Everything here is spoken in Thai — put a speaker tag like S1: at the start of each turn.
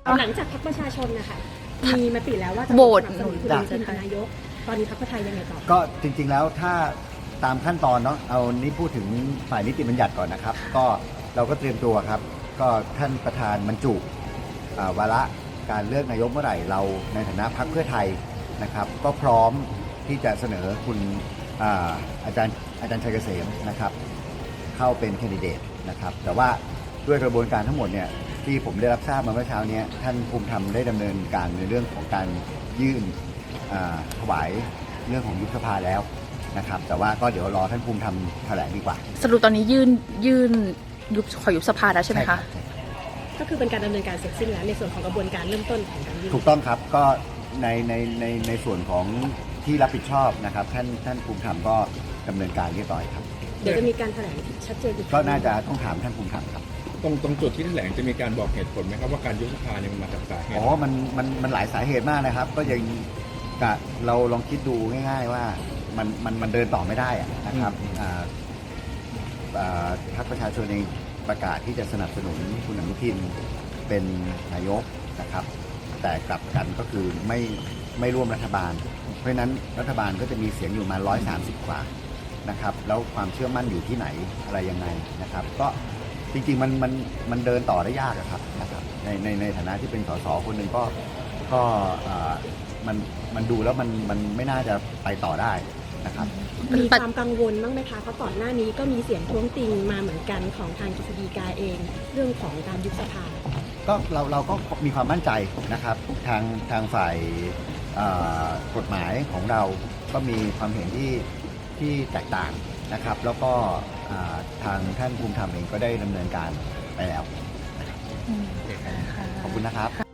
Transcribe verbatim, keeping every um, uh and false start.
S1: หลังจากพรรคประชาชนนะคะมีมติแล้วว่าจะ
S2: โหวต
S1: สนับสนุนคุณทิมเป็นนายกตอนนี้พรรคเพื่อไทยยังไงต่อ
S3: ก็จริงๆแล้วถ้าตามขั้นตอนเนาะเอานี่พูดถึงฝ่ายนิติบัญญัติก่อนนะครับ ก็เราก็เตรียมตัวครับ ก็ท่านประธานบรรจุอ่าวาระการเลือกนายกเมื่อไหร่เราในฐานะพรรคเพื่อไทยนะครับ ก็พร้อมที่จะเสนอคุณอ่าอาจารย์อาจารย์ชัยเกษมนะครับ เข้าเป็นแคนดิเดตนะครับ แต่ว่าด้วยกระบวนการทั้งหมดเนี่ยที่ผมได้รับทราบมาเมื่อเช้านี้ท่านภูมิธรรมได้ดำเนินการในเรื่องของการยื่นอ่าถวายเรื่องของยุบสภาแล้วนะครับ แต่ว่าก็เดี๋ยวรอท่านภูมิธรรมแถลงดีกว่า
S2: สรุปตอนนี้ยื่นยื่นยุบขอยุบสภาแล้วใช่ไหมคะ
S1: ก็คือเป็นการดำเนินการเสร็จสิ้นแล้วในส่วนของกระบวนการเริ่มต้นของการยื่น
S3: ถูกต้องครับก็ในในในในส่วนของที่รับผิดชอบนะครับท่านท่านภูมิธรรมก็ดำเนินการเรียบร้อยครับ
S1: เดี๋ยวจะมีการแถลงชัดเจนอีก
S3: ก็น่าจะต้องถามท่านภูมิธรรมครับ
S4: ตรงตรงจุดที่แถลงจะมีการบอกเหตุผลไหมครับว่าการยุบสภาเนี่ยมันมาจากสาเหตุ
S3: อ๋อ มัน มัน มันหลายสาเหตุมากนะครับ ก็ยังกะเราลองคิดดูง่ายๆว่ามัน มัน มันเดินต่อไม่ได้อะนะครับอ่าอ่าพรรคประชาชนเองประกาศที่จะสนับสนุนคุณอนุทินเป็นนายกนะครับ แต่กลับกันก็คือไม่ไม่ร่วมรัฐบาล เพราะฉะนั้นรัฐบาลก็จะมีเสียงอยู่มาร้อยสามสิบกว่านะครับ แล้วความเชื่อมั่นอยู่ที่ไหนอะไรยังไงนะครับ ก็จริงๆมันมันมันเดินต่อได้ยากอะครับนะครับในในในฐานะที่เป็นสสคนหนึ่งก็ก็อ่ามันมันดูแล้วมันมันไม่น่าจะไปต่อได้นะครับ
S1: มีความกังวลบ้างไหมคะเพราะก่อนหน้านี้ก็มีเสียงท้วงติงมาเหมือนกันของทางกฤษฎีกาเอง เรื่องของการยุบสภา
S3: ก็เราเราก็มีความมั่นใจนะครับทางทางฝ่ายอ่ากฎหมายของเราก็มีความเห็นที่ที่แตกต่างนะครับ แล้วก็อ่าทางท่านภูมิธรรมเองก็ได้ดำเนินการไปแล้ว
S2: อืม
S3: ขอบคุณนะครับ